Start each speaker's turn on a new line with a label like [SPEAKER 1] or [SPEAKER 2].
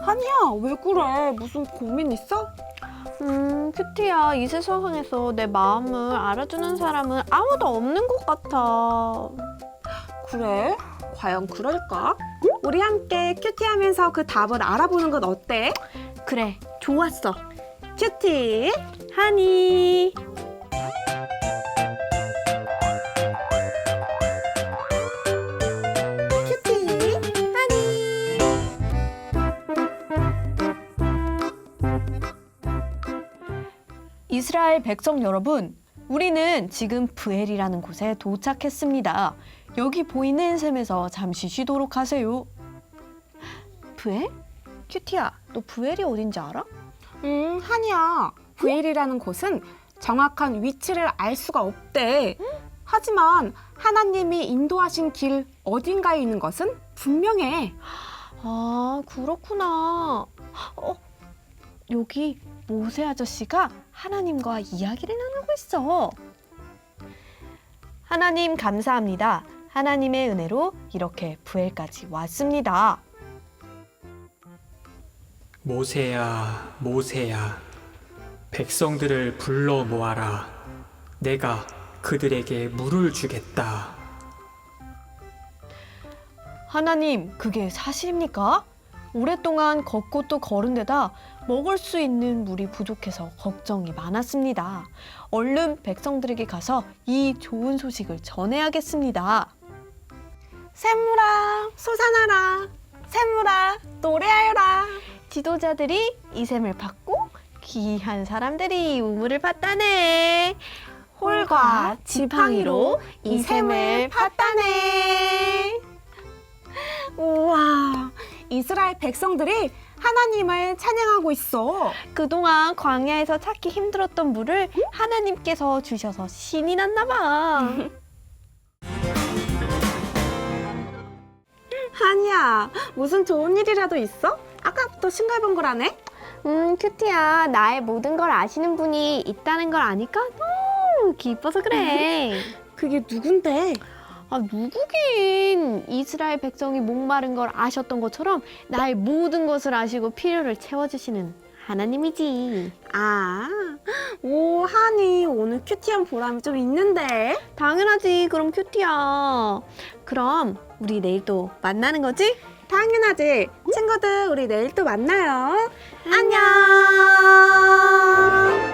[SPEAKER 1] 한이야, 왜 그래? 무슨 고민 있어?
[SPEAKER 2] 큐티야, 이 세상에서 내 마음을 알아주는 사람은 아무도 없는 것 같아.
[SPEAKER 1] 그래? 과연 그럴까? 우리 함께 큐티하면서 그 답을 알아보는 건 어때?
[SPEAKER 2] 그래, 좋았어.
[SPEAKER 1] 큐티!
[SPEAKER 2] 하니.
[SPEAKER 1] 큐티!
[SPEAKER 2] 이스라엘 백성 여러분, 우리는 지금 브엘이라는 곳에 도착했습니다. 여기 보이는 샘에서 잠시 쉬도록 하세요. 브엘? 큐티야, 너 브엘이 어딘지 알아?
[SPEAKER 1] 한이야. 브엘이라는 곳은 정확한 위치를 알 수가 없대. 하지만 하나님이 인도하신 길 어딘가에 있는 것은 분명해.
[SPEAKER 2] 아, 그렇구나. 여기 모세 아저씨가 하나님과 이야기를 나누고 있어. 하나님 감사합니다. 하나님의 은혜로 이렇게 브엘까지 왔습니다.
[SPEAKER 3] 모세야, 모세야, 백성들을 불러 모아라. 내가 그들에게 물을 주겠다.
[SPEAKER 2] 하나님, 그게 사실입니까? 오랫동안 걷고 또 걸은 데다 먹을 수 있는 물이 부족해서 걱정이 많았습니다. 얼른 백성들에게 가서 이 좋은 소식을 전해야겠습니다.
[SPEAKER 1] 샘물아, 솟아나라. 샘물아, 노래하여라.
[SPEAKER 2] 지도자들이 이 샘을 받고 귀한 사람들이 우물을 팠다네.
[SPEAKER 1] 홀과 지팡이로 이 샘을 팠다네. 우와, 이스라엘 백성들이 하나님을 찬양하고 있어.
[SPEAKER 2] 그동안 광야에서 찾기 힘들었던 물을 하나님께서 주셔서 신이 났나 봐.
[SPEAKER 1] 한이야, 무슨 좋은 일이라도 있어? 아까부터 싱글벙글하네?
[SPEAKER 2] 큐티야, 나의 모든 걸 아시는 분이 있다는 걸 아니까 너무 기뻐서 그래.
[SPEAKER 1] 그게 누군데?
[SPEAKER 2] 아, 누구긴. 이스라엘 백성이 목마른 걸 아셨던 것처럼 나의 모든 것을 아시고 필요를 채워주시는 하나님이지.
[SPEAKER 1] 아, 오, 한이 오늘 큐티한 보람이 좀 있는데?
[SPEAKER 2] 당연하지. 그럼 큐티야. 그럼 우리 내일 또 만나는 거지?
[SPEAKER 1] 당연하지. 친구들, 우리 내일 또 만나요.
[SPEAKER 2] 안녕.